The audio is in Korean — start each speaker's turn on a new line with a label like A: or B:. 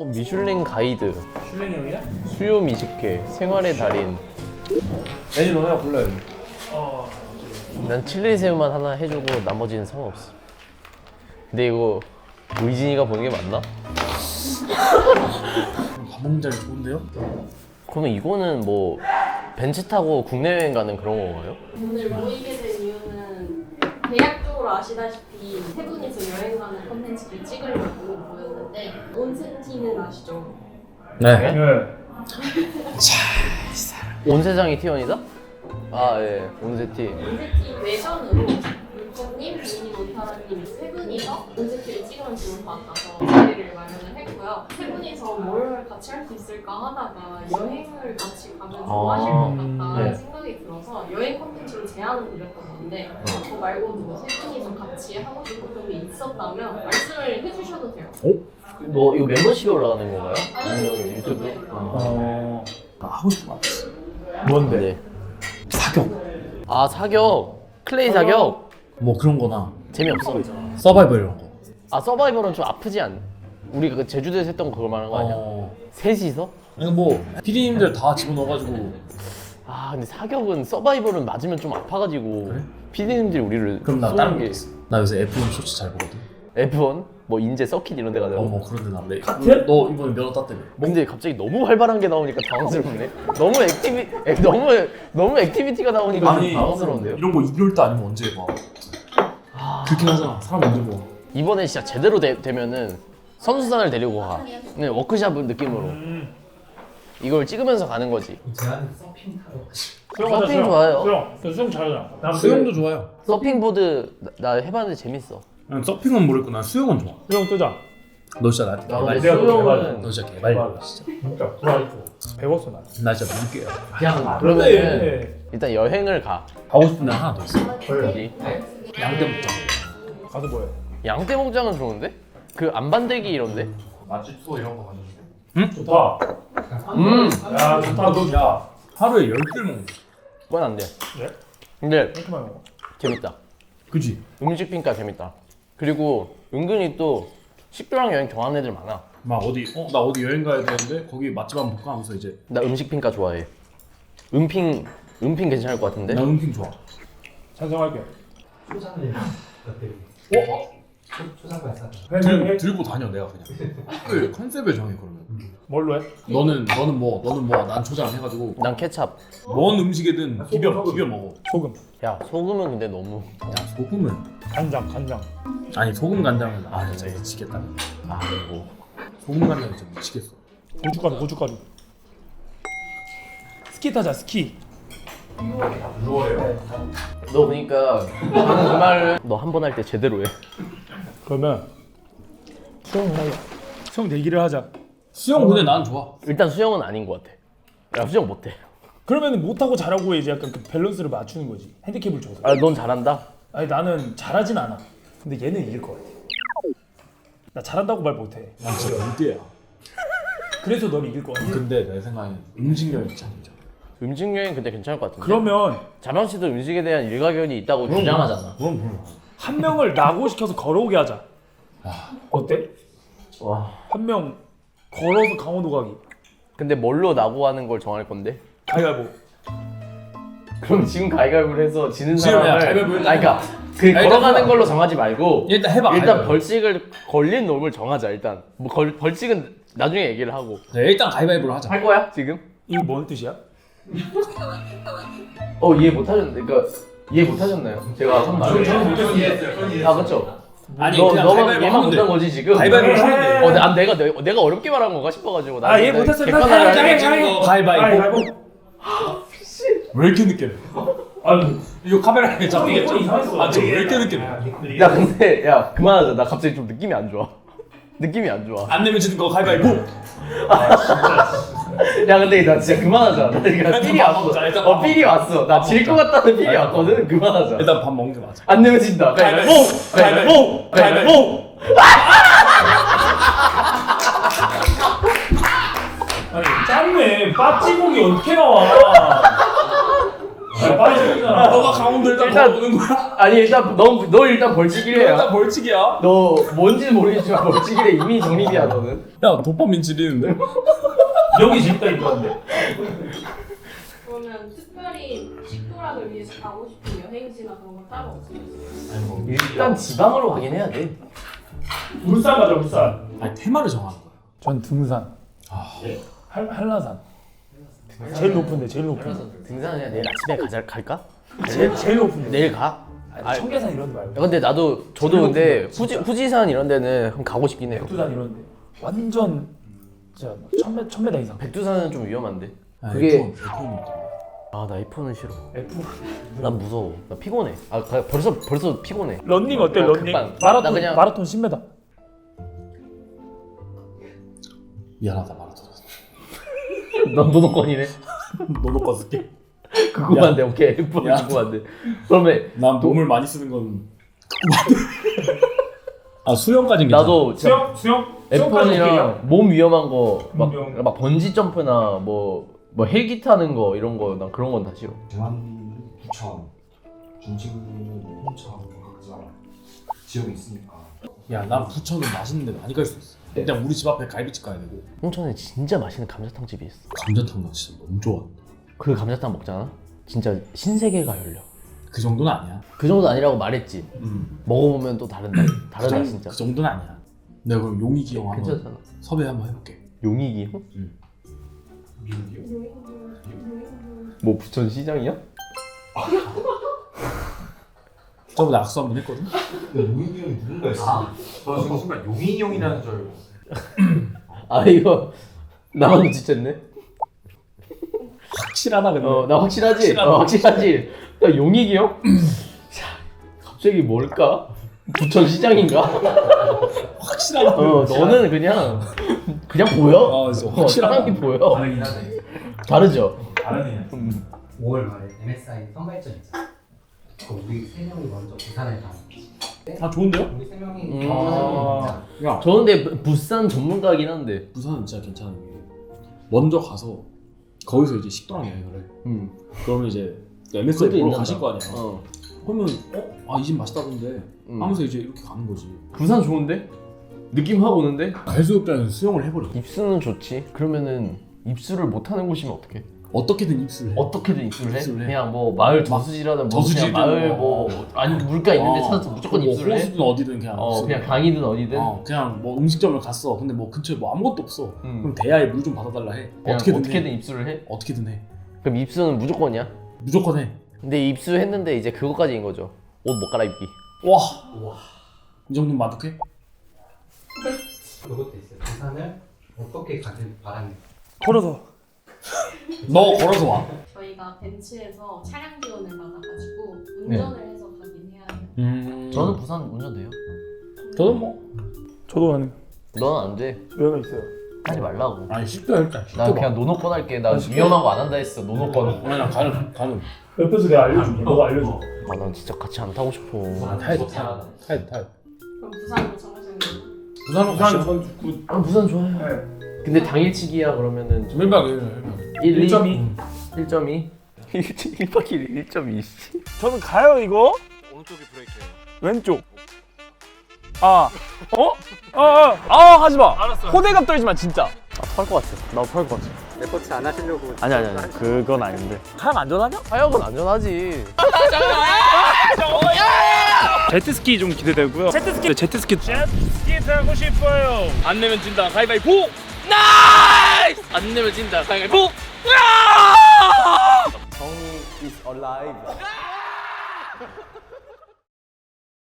A: 미슐랭 가이드,
B: 슐랭이 형이야?
A: 수요 미식회, 생활의 달인.
C: 메뉴 하나 골라요.
A: 난 칠리 새우만 하나 해주고 나머지는 상관없어. 근데 이거 의진이가 보는 게 맞나?
C: 밥 먹는 자리 좋은데요?
A: 그러면 이거는 뭐 벤츠 타고 국내 여행 가는 그런 건가요?
D: 오늘 모이게 된 이유는 대략적으로 아시다시피 세 분이서 여행 가는 콘텐츠를 찍으려고 모였는데 온센티는 아시죠?
C: 네.
A: 온세장이 T1이다? 아 예, 온세티.
D: 온센티 외전으로 물고님, 비니, 몬타라님 세 분이서 온센티를 찍으면 좋을 것 같아서 자리를 마련을 했고요. 세 분이서 뭘 같이 할 수 있을까 하다가 여행을 같이 가면 좋아하실 것 같다는
A: 네.
D: 생각이 들어서 여행 콘텐츠로 제안을 드렸던 건데 그거 말고도 세 분이서 같이 하고 싶은 게 있었다면 말씀을 해주셔도 돼요.
A: 뭐 이거 멤버십이 올라가는 건가요?
D: 아니요,
A: 아니면 유튜브?
C: 하고 싶은 거 있어.
B: 뭔데?
A: 네.
C: 사격.
A: 아 사격, 클레이 사격.
C: 뭐 그런 거나
A: 재미없어.
C: 서바이벌 이런 거.
A: 아 서바이벌은 좀 아프지 않? 우리 그 제주도에서 했던 거 그걸 말하는 거 아니야? 셋이서?
C: 그러니까 뭐 PD님들 다 집어넣어가지고.
A: 아 근데 사격은 서바이벌은 맞으면 좀 아파가지고
C: 그래?
A: PD님들이 우리를
C: 그럼 나
A: 쏘는
C: 다른 거
A: 게
C: 있어. 나 요새 F1 쇼츠 잘 보거든.
A: F1? 뭐 인제 서킷 이런 데 가자고?
C: 뭐 그런 데 나래.
B: 카트?
C: 너 이번에 면허 땄다며.
A: 근데 갑자기 너무 활발한 게 나오니까 당황스럽네. 너무 액티비티가 나오니까 좀 당황스러운데요?
C: 이런 거 2개월 때 아니면 언제 봐. 그렇긴 하잖아. 사람 언제 봐.
A: 이번에 진짜 제대로 되면은 선수단을 데리고 가. 네, 워크샵 느낌으로. 이걸 찍으면서 가는 거지. 서핑 좋아요.
B: 수영. 너 수영 잘하잖아. 나
C: 수영도 좋아요.
A: 서핑보드 나 해봤는데 재밌어.
C: 난 서핑은 모르겠고 난 수영은 좋아.
B: 수영 뜨자.
C: 너 진짜 나한테
A: 나
C: 개발.
B: 내가
A: 수영은
C: 너 진짜 개발. 진짜.
B: 진짜 좋아했고. 배웠어 나.
C: 나 진짜 믿을게요.
A: 그러면
B: 네.
A: 일단 여행을 가.
C: 가고 싶은 데 하나 더 있어.
A: 어디?
C: 양떼목장.
B: 가서 뭐해?
A: 양떼목장은 좋은데? 그 안반대기 이런데?
C: 맛집 투어 이런 거 가져줄게.
B: 좋다. 야 좋다 너 야.
C: 하루에 10개를 먹는 거.
A: 그건 안 돼.
B: 네?
A: 근데
B: 이렇게 많이 먹어.
A: 재밌다.
C: 그지?
A: 음식 평가 재밌다. 그리고 은근히 또 식도락 여행 좋아하는 애들 많아.
C: 막 어디 나 어디 여행 가야 되는데 거기 맛집 한번 볼까 하면서 이제
A: 나 음식 평가 좋아해. 음핑 괜찮을 것 같은데?
C: 나 음식 좋아.
B: 찬성할게.
C: 들고 다녀 내가 그냥. 그 컨셉을 정해 그러면.
B: 뭘로 해?
C: 너는 뭐 난 초장 해가지고
A: 난 케찹.
C: 뭔 음식이든 비벼 먹어.
B: 소금.
A: 야 소금은 근데 너무
C: 야 소금은
B: 간장.
C: 아니 소금 간장은 진짜 미치겠다.
A: 아이고.
C: 소금 간장은 진짜 미치겠어.
B: 고춧가루. 스키 타자 스키.
A: 너 그러니까 방금 그 말을 너 한 번 할 때 제대로 해.
B: 그러면 수영 하자. 수영 내기를 하자.
C: 수영 근데 난 좋아.
A: 일단 수영은 아닌 것 같아. 나 수영 못해.
B: 그러면 못하고 잘하고 이제 약간 그 밸런스를 맞추는 거지. 핸디캡을 줘서.
A: 아 넌 잘한다.
B: 아니 나는 잘하진 않아. 근데 얘는 이길 것 같아. 나 잘한다고 말 못해.
C: 난 진짜 물대야.
B: 그래서 넌 이길 것 같아.
C: 근데 내 생각엔 음식 여행 진짜 진짜.
A: 음식 여행 근데 괜찮을 것 같은데.
B: 그러면
A: 자명 씨도 음식에 대한 일가견이 있다고 주장하잖아.
C: 그럼.
B: 한 명을 나고 시켜서 걸어오게 하자. 어때?
A: 와.
B: 한 명 걸어서 강원도 가기.
A: 근데 뭘로 나고 하는 걸 정할 건데?
B: 가위바위보.
A: 그럼 지금 가위바위보를 해서 지는
C: 지금 야,
A: 사람을
C: 가위바위보
A: 아니 그러니까 그 걸어가는 걸로 정하지 말고
C: 일단 해봐.
A: 일단
C: 가위바위보.
A: 벌칙을 걸린 놈을 정하자 일단. 뭐 벌칙은 나중에 얘기를 하고.
C: 네, 일단 가위바위보로 하자.
A: 할 거야 지금?
B: 이거 뭔 뜻이야?
A: 이해 못하셨는데 그러니까 이해 못하셨나요? 제가 한 말을. 아 그렇죠.
C: 아니
A: 너가
C: 가위바위보
A: 얘만
C: 하면 돼.
A: 못한 거지 지금.
C: 가위바위보 하면 돼.
A: 내가 어렵게 말한 건가 싶어가지고. 나
B: 얘 못했어.
C: 가위바위보. 왜 이렇게 늦게 내?
B: 아니
C: 이거 카메라에 잡히겠죠?
B: 이상했어.
C: 왜 이렇게 늦게 내?
A: 야 근데 야 그만하자. 나 갑자기 좀 느낌이 안 좋아. 느낌이 안 좋아.
C: 안 내면 지는 거 가위바위보.
A: 야 근데 나 진짜 그만하자. 나 지금 삘이
C: 밥
A: 왔어.
C: 먹자, 일단 밥
A: 삘이 왔어. 나 질 것 같다는 삘이 왔거든. 그만하자.
C: 일단 밥 먹는 게 맞아.
A: 안 내면 진다. 가위바위보. 가위바위보. 가위바위보.
B: 아니 짧네. 빠찌공이 어떻게 나와? 빠지잖아.
C: 너가 강원도 일단
A: 일단-
C: 보는 거야?
A: 아니 일단 너 일단 벌칙이래.
C: 일단 벌칙이야.
A: 너 뭔지는 모르겠지만 벌칙이래. 이미 정립이야 너는.
C: 야 도파민 지리는데?
B: 여기 재밌다 이거는데.
D: 그러면 특별히 식도락을 위해서 가고 싶은 여행지나 그런 거 따로 없으세요?
A: 일단 지방으로 가긴 해야 돼.
B: 울산 가자 울산.
C: 아니 테마를 정하는 거야.
B: 전 등산. 한라산. 제일 높은데 제일 높은.
A: 등산은 그냥 내일 아침에 갈까?
B: 제일 높은데.
A: 내일 가?
B: 아니, 청계산 이런 데 말고.
A: 야, 근데 저도 근데 후지산 이런 데는 한번 가고 싶긴 해요.
B: 백두산 이런 데. 완전 진짜 1000m 이상.
A: 백두산은 좀 위험한데.
C: 아,
A: 그게
C: F1
A: 아 나 F1은 싫어.
B: F.
A: 난 무서워. 나 피곤해. 아 벌써 피곤해.
B: 런닝 어때? 런닝?
A: 급반.
B: 마라톤
A: 나 그냥-
B: 마라톤 10m.
C: 미안하다 말하자.
A: 넌 노노권이네.
C: 너도 껐을게.
A: 궁금한데 오케이. F1 궁금한데. 그러면
C: 난 몸을 많이 쓰는 건 아 수영까진 괜찮아.
A: 나도 진짜
B: 수영?
A: F1이랑 몸 위험한 거
B: 위험.
A: 막 번지 점프나 뭐 헬기 타는 거 이런 거 난 그런 건 다 싫어.
E: 대만, 부천, 중칭은 홍천, 각자 지역이 있으니까
C: 야난 부천은 맛있는 데 많이 갈 수 있어. 그냥 우리 집 앞에 갈비집 가야 되고.
A: 홍천에 진짜 맛있는 감자탕 집이 있어.
C: 감자탕 나 진짜 너무 좋아.
A: 그 감자탕 먹잖아. 진짜 신세계가 열려.
C: 그 정도는 아니야.
A: 그 정도 아니라고 말했지. 먹어보면 또 다르다 진짜.
C: 그 정도는 아니야. 내가 그럼 용익이 형 한번
A: 괜찮잖아.
C: 섭외 한번 해볼게.
A: 용익이 형? 뭐 부천 시장이야?
C: 저번에 악수 한번 했거든.
E: 용인이 형이 누군가 있어.
F: 저 지금 순간 용인이 형이라는 줄 알고.
A: 아 이거 나만 눈치챘네.
C: 확실하다 근데.
A: 나 확실하지. 확실하지. 야 용익이 형? 자, 갑자기 뭘까? 부천 시장인가?
C: 확실하다.
A: 너는 그냥 보여.
C: 진짜 확실하다.
A: 사람이 보여.
F: 다르긴 하네.
A: 다르죠.
B: 다르네.
G: 5월 말에 MSI 선발전 있어. 우리 세 명이 먼저 부산에 가는 거지.
C: 아 좋은데요?
G: 우리 세 명이
B: 아.
C: 야
A: 저 근데 부산 전문가긴 한데.
C: 부산은 진짜 괜찮은 게 먼저 가서 거기서 이제 식도락 여행을 해. 그러면 이제 MSI
A: 그래도
C: 보러
A: 있는다.
C: 가실 거 아니야. 그러면 이 집 맛있다던데 하면서 이제 이렇게 가는 거지.
A: 부산 좋은데? 느낌 확 오는데?
C: 해수욕장에서 수영을 해버려.
A: 입수는 좋지. 그러면은 입수를 못하는 곳이면 어떡해?
C: 어떻게든 입수를 해.
A: 어떻게든 입수를 해?
C: 입수를 해.
A: 그냥 뭐 마을 저수지라든 뭐
C: 저수지든
A: 그냥 마을
C: 뭐.
A: 뭐 아니 물가 있는데 찾아서 무조건
C: 뭐
A: 입수를 해?
C: 호수든 어디든 그냥.
A: 그냥 강이든 어디든
C: 그냥 뭐 음식점을 갔어. 근데 뭐 근처에 뭐 아무것도 없어. 그럼 대야에 물 좀 받아달라 해.
A: 그냥
C: 어떻게든 해.
A: 입수를 해?
C: 어떻게든 해.
A: 그럼 입수는 무조건이야?
C: 무조건 해.
A: 근데 입수했는데 이제 그거까지인 거죠. 옷 못 갈아입기.
C: 와. 이 정도면 만족해?
G: 그것도 있어요. 부산을 어떻게 가길 바라는.
B: 걸어서.
C: 너 걸어서 와.
D: 저희가 벤츠에서 차량 지원을 받아가지고 운전을 해서 가긴 해야 해요.
A: 저는 부산 운전돼요.
C: 저는 뭐.
B: 저도 하는.
A: 넌 안 돼.
B: 여유가 있어요.
A: 하지 말라고.
C: 아니 쉽게 일단.
A: 나 그냥 노노권 할게. 나 위험한 거 안 한다 했어. 노노권.
C: 아니 나 가는.
B: 옆에서 내가 알려줄게. 너가 알려줘.
A: 아 난 진짜 같이 안 타고 싶어.
C: 타야 돼.
D: 그럼 부산으로 정하시는 거예요?
C: 부산은
B: 부산
C: 가시죠.
A: 아 부산 좋아요. 근데 당일치기야 그러면은
C: 1박 2일.
B: 1.2.
A: 1.2? 1박 2일 1.2.
B: 저는 가요 이거.
F: 오른쪽이 브레이크예요.
B: 왼쪽. 하지 마. 알았어. 호들갑 떨지 마 진짜.
A: 탈 것 같아. 나도 탈 것 같아.
G: 레포트 안 하시려고.
A: 아니.
B: 그건 아닌데. 하양 안전하냐?
A: 하역은 안전하지.
B: 제트스키 좀 기대되고요. 제트스키 타고 싶어요. 안 내면 진다. 가위바위보.
A: 나이스! 안 내면 진다. 가위바위보. 성이 is alive.